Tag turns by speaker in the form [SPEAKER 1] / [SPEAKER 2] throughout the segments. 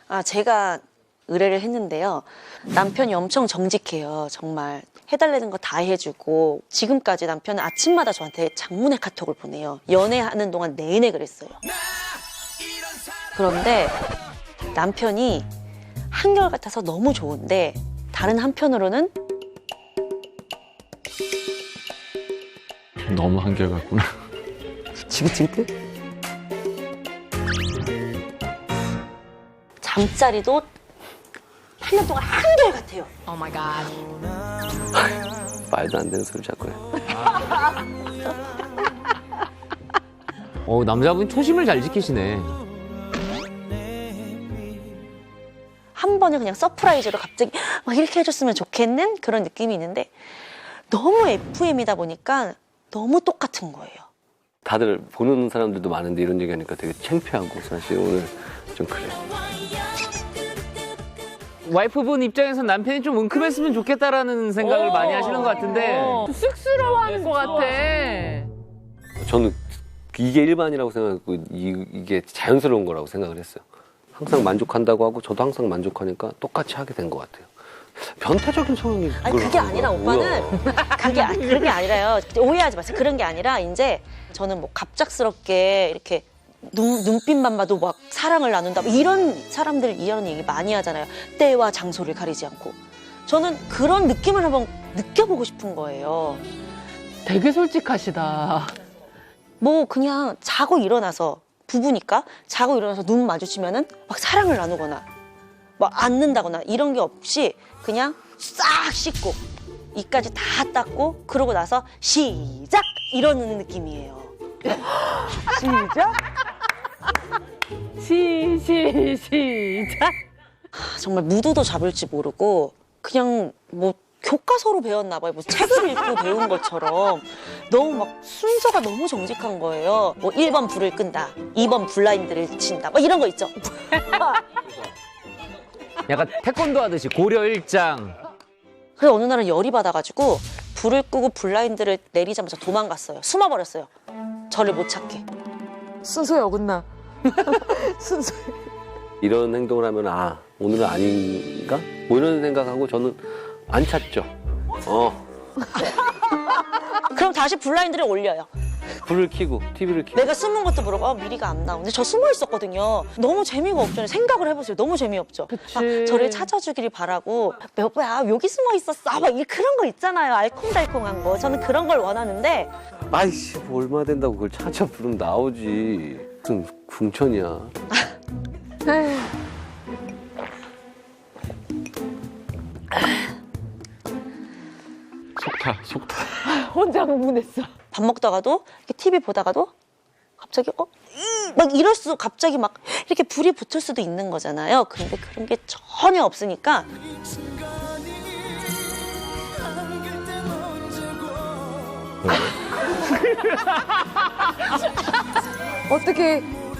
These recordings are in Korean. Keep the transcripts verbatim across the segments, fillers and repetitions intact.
[SPEAKER 1] 아, 제가 의뢰를 했는데요. 남편이 엄청 정직해요. 정말 해달라는 거 다 해주고 지금까지 남편은 아침마다 저한테 장문의 카톡을 보내요. 연애하는 동안 내내 그랬어요. 그런데 남편이 한결같아서 너무 좋은데 다른 한편으로는
[SPEAKER 2] 너무 한결같구나.
[SPEAKER 3] 지긋지긋해?
[SPEAKER 1] 잠자리도 팔 년 동안 한결같아요.
[SPEAKER 3] 말도 안 되는 소리 자꾸 해.
[SPEAKER 4] 어, 남자분 초심을 잘 지키시네.
[SPEAKER 1] 한 번은 그냥 서프라이즈로 갑자기 막 이렇게 해줬으면 좋겠는 그런 느낌이 있는데 너무 에프엠이다 보니까 너무 똑같은 거예요.
[SPEAKER 3] 다들 보는 사람들도 많은데 이런 얘기하니까 되게 창피하고 사실 오늘 좀 그래.
[SPEAKER 4] 와이프분 입장에서 남편이 좀 은큼했으면 좋겠다라는 생각을 많이 하시는 것 같은데.
[SPEAKER 5] 쑥스러워하는 것 같아.
[SPEAKER 3] 저는 이게 일반이라고 생각했고 이, 이게 자연스러운 거라고 생각을 했어요. 항상 만족한다고 하고 저도 항상 만족하니까 똑같이 하게 된 것 같아요. 변태적인 성향이
[SPEAKER 1] 아니 그게 아니라 오빠는 그게 아, 그런 게 아니라요. 오해하지 마세요. 그런 게 아니라 이제 저는 뭐 갑작스럽게 이렇게 눈, 눈빛만 봐도 막 사랑을 나눈다 뭐 이런 사람들 이런 얘기 많이 하잖아요. 때와 장소를 가리지 않고. 저는 그런 느낌을 한번 느껴보고 싶은 거예요.
[SPEAKER 5] 되게 솔직하시다.
[SPEAKER 1] 뭐 그냥 자고 일어나서 부부니까 자고 일어나서 눈 마주치면은 막 사랑을 나누거나 막 안는다거나 이런 게 없이 그냥 싹 씻고 이까지 다 닦고 그러고 나서 시작 이러는 느낌이에요.
[SPEAKER 5] 시작. 시, 시, 시작.
[SPEAKER 1] 아, 정말 무드도 잡을지 모르고 그냥 뭐 교과서로 배웠나 봐요. 뭐 책을 읽고 배운 것처럼 너무 막 순서가 너무 정직한 거예요. 뭐 일 번 불을 끈다, 이 번 블라인드를 친다, 뭐 이런 거 있죠.
[SPEAKER 4] 약간 태권도 하듯이 고려 일장.
[SPEAKER 1] 그래서 어느 날은 열이 받아가지고 불을 끄고 블라인드를 내리자마자 도망갔어요. 숨어버렸어요. 저를 못 찾게.
[SPEAKER 5] 순서에 어긋나. 순서.
[SPEAKER 3] 이런 행동을 하면 아 오늘은 아닌가? 뭐 이런 생각하고 저는 안 찾죠. 어
[SPEAKER 1] 그럼 다시 블라인드를 올려요.
[SPEAKER 3] 불을 켜고 티비를 켜고.
[SPEAKER 1] 내가 숨은 것도 모르고 아, 미리가 안 나오는데 저 숨어 있었거든요. 너무 재미가 없잖아요. 생각을 해보세요. 너무 재미없죠. 아, 저를 찾아주기를 바라고 여보야 여기 숨어 있었어. 막 이- 그런 거 있잖아요. 알콩달콩한 거. 저는 그런 걸 원하는데
[SPEAKER 3] 아이씨 뭐 얼마 된다고 그걸 찾아 부르면 나오지. 무슨 궁천이야.
[SPEAKER 2] 속타, 속타.
[SPEAKER 5] 혼자 흥분했어.
[SPEAKER 1] 밥 먹다가도 이렇게 티비 보다가도 갑자기 어? 음, 막 이럴 수 갑자기 막 이렇게 불이 붙을 수도 있는 거잖아요. 근데 그런 게 전혀 없으니까
[SPEAKER 5] 어떻게.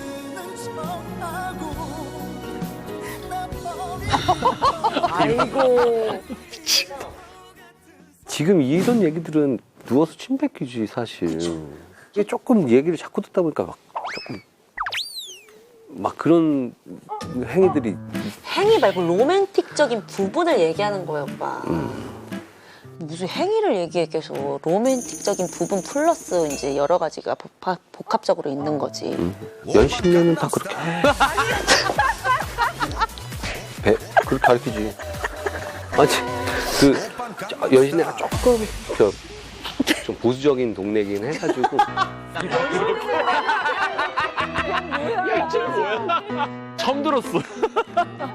[SPEAKER 5] 아이고.
[SPEAKER 3] 지금 이런 얘기들은 누워서 침 뱉기지 사실. 이게 조금 얘기를 자꾸 듣다 보니까 막 조금 막 그런 행위들이
[SPEAKER 1] 행위 말고 로맨틱적인 부분을 얘기하는 거예요, 오빠. 무슨 행위를 얘기해 계속 로맨틱적인 부분 플러스 이제 여러 가지가 복합, 복합적으로 있는 거지.
[SPEAKER 3] 연신내는 다 그렇게 해. 배 그렇게 가르치지. 아니 그 저, 연신내가 조금 저, 좀 보수적인 동네긴 해가지고
[SPEAKER 2] 처음 들었어.